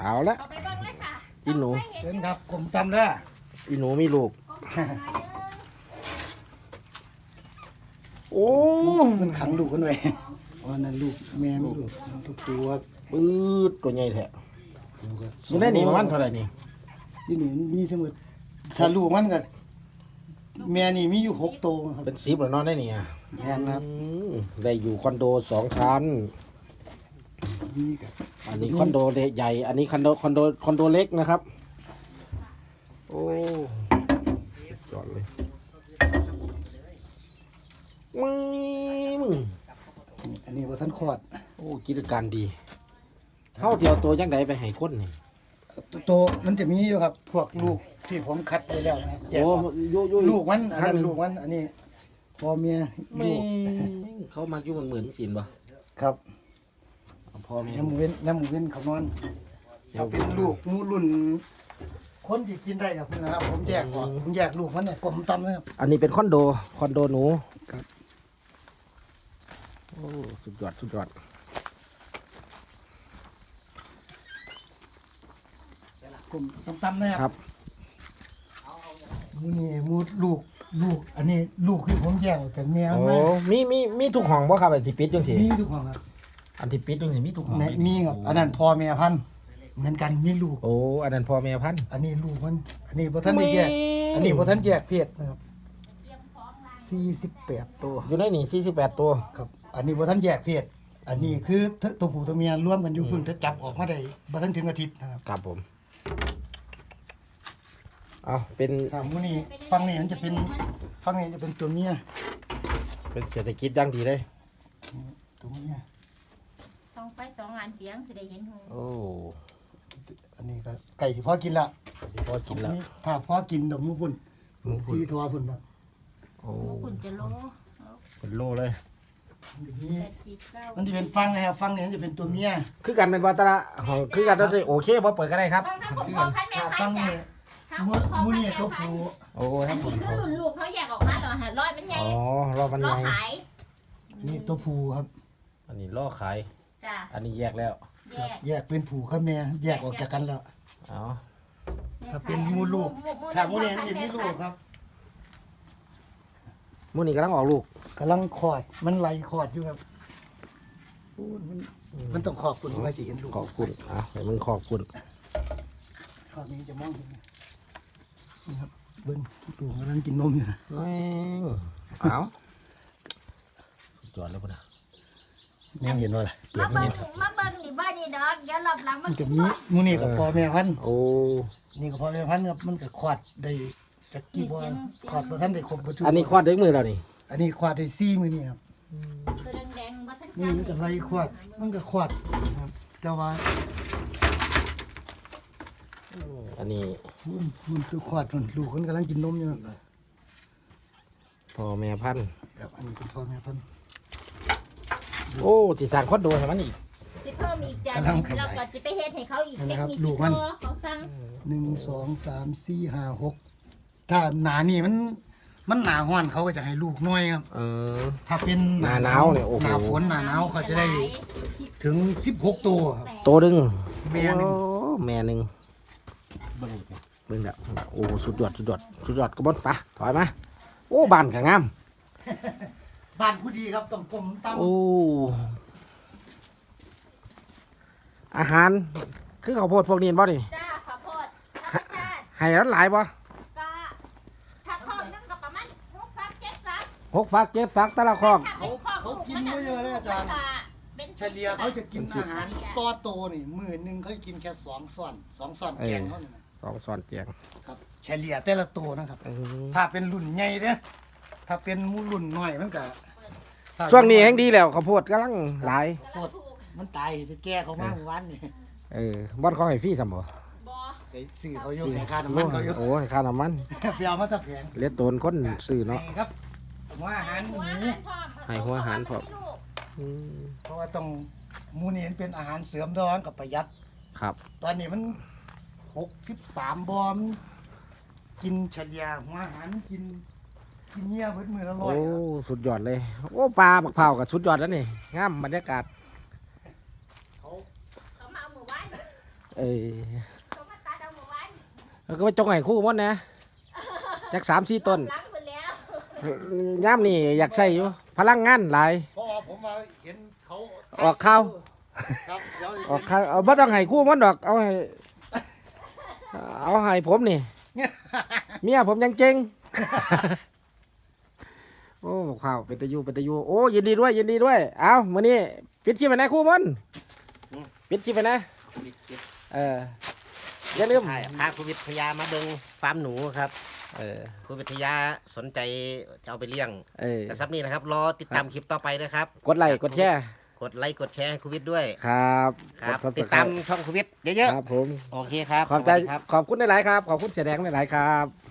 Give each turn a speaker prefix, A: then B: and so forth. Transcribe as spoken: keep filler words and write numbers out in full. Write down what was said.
A: เอาละอีหนู
B: เชิญครับกลมตำเด้อ
A: อีหนูมีลูกโอ้
B: มันขังลูกกันไว้อ๋อนั่นลูกแม่มีลูกทุกตัว
A: ปื๊ดตัวใหญ่แท้อยู่ในนี่ประมาณเท่าไหร่นี่
B: นี่นี่มีเสมอถ้าลูกมันก็แม่นี่มีอยู่หกตัวครับ
A: เป็นสิบแล้วเนอนได้นี่อ่ะ
B: แม่นครับ
A: อืมได้อยู่คอนโดสองชั้น
B: มีกับ
A: อันนี้คอนโดใหญ่ อันนี้คอนโดคอนโดคอนโดเล็กนะครับ โอ้จอดเลยมึงมึง
B: อันนี้บ่ทันคลอด
A: โอ้กิจการดีเท่าเทียวตัวยังไดไปให้คนนี่
B: ตัวตัวมันจะมีอยู่ครับ พวกลูกที่ผมคัดไว้แล้วนะครับแยก
A: โอ้
B: ออก
A: โยโย
B: ลูกมันอันนั้นลูกมันอันนี้พ่อเมีย
A: แม่
B: ลูก
A: เขามาอยู่มันเหมือนสินบ่
B: ครับ
A: พ่อแม่
B: น้ำหมูเว้นน้ำหมูเว้นเขานอนเขาเป็นลูกหมูรุ่น คนที่กินได้ครับนะครับผมแยกออกผมแยกลูกมันเนี่ยกลมตำนะครับ
A: อันนี้เป็นคอนโดคอนโดหนู
B: ครับ
A: โอ้สุดยอดสุดยอด
B: กลมตำๆนะค
A: ครั
B: รับบ มูนี่มูลูกลูก อันนี้ลูกคือผมแยกออกจากแม่
A: โอ้
B: มา
A: มีมีมีทุกห้องบ่ครับไอ้ที่ปิดจังซี่
B: มีทุกคนครับ
A: อันที่ปิดจังซี่มีทุกห้อง
B: ในมีครับอันนั้นพ่อแม่พันธุ์เหมือนกันมีลูก
A: โอ้อันนั้นพ่อแม่พันธุ์
B: อันนี้ลูกมัน อันนี้บ่ทันได้แยก
A: แม่
B: อันนี้บ่ทันแยกเพศนะครับสี่สิบแปดตัว
A: อยู่ในนี่สี่สิบแปดตัว
B: ครับ อันนี้บ่ทันแยกเพศ อันนี้คือตัวผู้ตัวเมียรวมกันอยู่เพิ่งจะจับออกมาได้บ่ทันถึงอาทิตย์นะครับ
A: ครับผมเอาเป็น
B: ถ้ามูนี่ฟังนี่มันจะเป็นฟังนี่จะเป็นตัวเมีย
A: เป็นเศรษฐกิจอย่างดีเลย
B: ตัวเมีย
C: ต้องไปสองงานเปียงสิได้เห็นหู
A: โอ้
B: อันนี้ก็ไก่ที่พ่อกินละ
A: พอกินแล้ว
B: ถ้าพ่อกินดอกมูพุ่นสีทอพุ่นนะ
A: โอ้
C: หมูคุณจะโล
A: เป็นโลเลย
B: อย่างนี้
C: แปดสิบเก้า
B: มันจะเป็นฟังนะครับฟังนี่มันจะเป็นตัวเมีย
A: คือกันเป็นวัตระของคือกันได้โอเคบ่เปิดก็ได้ครับ
C: ฟังทั้งผม
A: คือ
C: พ
A: กั
C: อน พันแม่
B: ถ้า
C: พั
B: ฟั
C: น
B: ง
C: จ้ะ
B: นี่
C: ทั้ง
B: มู
C: ผมพอ
B: มู
C: พัน
B: นี่
C: แม่
B: ตัว
C: พัน
B: ผู้
A: โอ้
C: อั
A: ทั้
C: น
A: งผ
C: นี้
A: ม
C: คือรุ่นลูกเขาแยกออกมาเหรอฮะร้อยมันใหญ่
A: อ๋อรอบมัน
C: ล้อ
A: ไง
C: ขาย
B: นี่ตัวผู้ครับ
A: อันนี้ล่อขาย
C: จ้ะ
A: อันนี้แยกแล้ว
C: แยก
B: แยกเป็นผู้กับแม่แยกออกจากกันแล้ว
A: อ๋อ
B: ถ้าเป็นมูลูกถ้ามูนี่มันจะมีลูกครับ
A: มื้อนี้กำลังออกลูก
B: กำลังคลอดมันไหลคลอดอยู่ครับโอ้มันมันต้องขอบคุณไว้จะเห็นลูก
A: ขอบคุณอ่ะให้มึงขอบคุณ
B: ครอบนี้จะมองเห็นนี่ครับเบิ้งลูกกำลังกินนมอยู่นะ
A: แม่งเอาสุดยอดแล้วพุ่นน่ะ
B: แม่เห็นว่าอะไรเปลี่ย
C: มาน
B: นี่
C: เบิ่งมาเบิ่งนี่บ้านนี่ดอกเดี๋ยวรอบหลังมั
B: มัน นก็มีมูนี่กับพ่อแม่พันธุ์
A: โอ้
B: นี่ก็พ่อแม่พันธุ์ครับมันก็คลอดได้จากกี่บัวคลอดบ่ทันได้ครบบ่ทุก
A: อันนี้คลอดด้วยมือแล้วนี่
B: อันนี้คลอดได้สี่มื้อนี่ครับ
C: ตัวแดงๆบ่ทัน
B: นี่มันก็ไล่คลอดมันก็คลอดครับแต่ว่า
A: อันนี้
B: มันมันตัวคลอดมันลูกมันกำลังกินนมอยู่ครับ
A: พ่อแม่พันธุ์
B: ครับอันนี้เป็นพ่อแม่พันธุ์
A: โอ้สิสร้างคอนโดให้มันอีก
C: สิเพิ่มอีกจ้ะ
B: กำลังขยาย
C: เราก็สิไปเฮ็ดให้เขาอีก
B: นั่น
C: เท
B: นะ
C: ค
B: ครับ
C: นิค
B: ลูกมัน
C: ตัวเขาสั่ง
B: หนึ่งสองสามสี่ห้าหกถ้าหนานี่มันมันหนาห้อนเขาก็จะให้ลูกน้อยครับ
A: เออ
B: ถ้าเป็น
A: หนาหนาวเนี่ยโอ้โห
B: หนาฝนหนาหนาวเขาจะได้ถึงสิบหกตัวครับ
A: โตดึง
B: แม่หนึ่ง
A: โอ้แม่หนึ่งเบิ่งแล้วโอ้สุดยอดสุดยอดสุดยอดกระบอนปะถอยมาโอ้บ้านก็งาม
B: บ้านผู้ดีครับต้องกลมตั้ม
A: โอ้อาหารคือข้าวโพดพวกนี้บ่นี่
C: จ้าข้าวโพดธรรมชาติ
A: ให้ร้านหลายบ่
C: ก็ถ้าคอกนึงก็ประมาณหกฟักเจ็ดฟัก
A: หกฟักเจ็ดฟักแต่ละคอก
B: เขาเขากินไม่เยอะเลยอาจารย์
C: เป็น
B: เฉลี่ยเขาจะกินอาหารต่อโตนี่มื้อหนึงเขาจะกินแค่สองส่วนสองส่วนแกงเขานี่นะ
A: สองซ้อนเจียง
B: ครับเฉลี่ยแต่ละตัวนะครับ
A: อืม
B: ถ้าเป็นรุ่นใหญ่เด้อถ้าเป็นหมูรุ่นน้อยมันก็ถ้า
A: ช่วงนี้แห้งดีแล้วข้าวโพดกำลังหลาย
B: โคตรมันตายไปแก้เขามาเมื่อวานนี่
A: เออบ่อนเขาให้ฟรีซั่นบ่
C: บอ
B: ไปซื้อเขาอยู่ให้ค่าน้ำมันเขาอยู่
A: โอ้ให้ค่าน้ำมัน
B: ไปเอามาตะแผง
A: เหลือดโตนคนซื้อเนาะ
B: ให้ครับผมว่าอาหารหมู
A: ให้หัวอาหารพร้อม อืม
B: เพราะว่าต้องหมูนี่มันเป็นอาหารเสริมร้อนกับประหยัด
A: ครับ
B: ตอนนี้มันหกสิบสามบอมกินเฉลี่ยหัวอาหารกินกินเงี้ยเพิ่มือละร้อ
A: โอ้
B: ยครับ
A: สุดยอดเลย โอ้ปลาบักเผากับสุดยอดแล้วนี่งามบรรยากาศ
B: เขา
C: เขามาเอามือไว้
B: จ
A: เอ้ย
C: เขามาตัดเอาหมู่บ้าน
A: แล้วก็ไปจงให้คู่หมดนะจักสามสี่ต้น
C: หลังหมดแล้ว
A: ย่ามนี่อยากใส่อยู่ พลังงานหลาย
B: เพราะว่าผมมาเห็นเขา
A: ออกข่าว
B: ครับเดี๋ยว
A: ออกข้างเอาบ่ต้องให้คู่มันดอก เอาให้ เอาให้ผมนี่ เมียผมยังเก่ง โอ้ข้าวเป็นตะยูเป็นตะยูโอ้ยินดีด้วยยินดีด้วย เอามื้อนี้ปิดชีพไปนะคู่มันปิดชีพไปนะ เอออย่าลืม
D: ใช่พาครูวิทยามาเบิงฟาร์มหนูครับ
A: เออ
D: ครูวิทยาสนใจจะเอาไปเลี้ยง
A: เออ
D: แต่ซับนี้นะครับ รอติดตามคลิปต่อไปนะครับ
A: กดไลค์กดแชร์
D: กดไลค์กดแชร์ให้ครูวิทด้วย
A: ครับ
D: ครับ
A: ก
D: ติดตามช่องครูวิทเยอะ
A: ครับผม
D: ๆ โอเคครับ
A: ขอบใจ
D: สวัสดีครับ
A: ขอบคุณหลายๆครับ ขอบคุณเสียแดงหลายๆครับ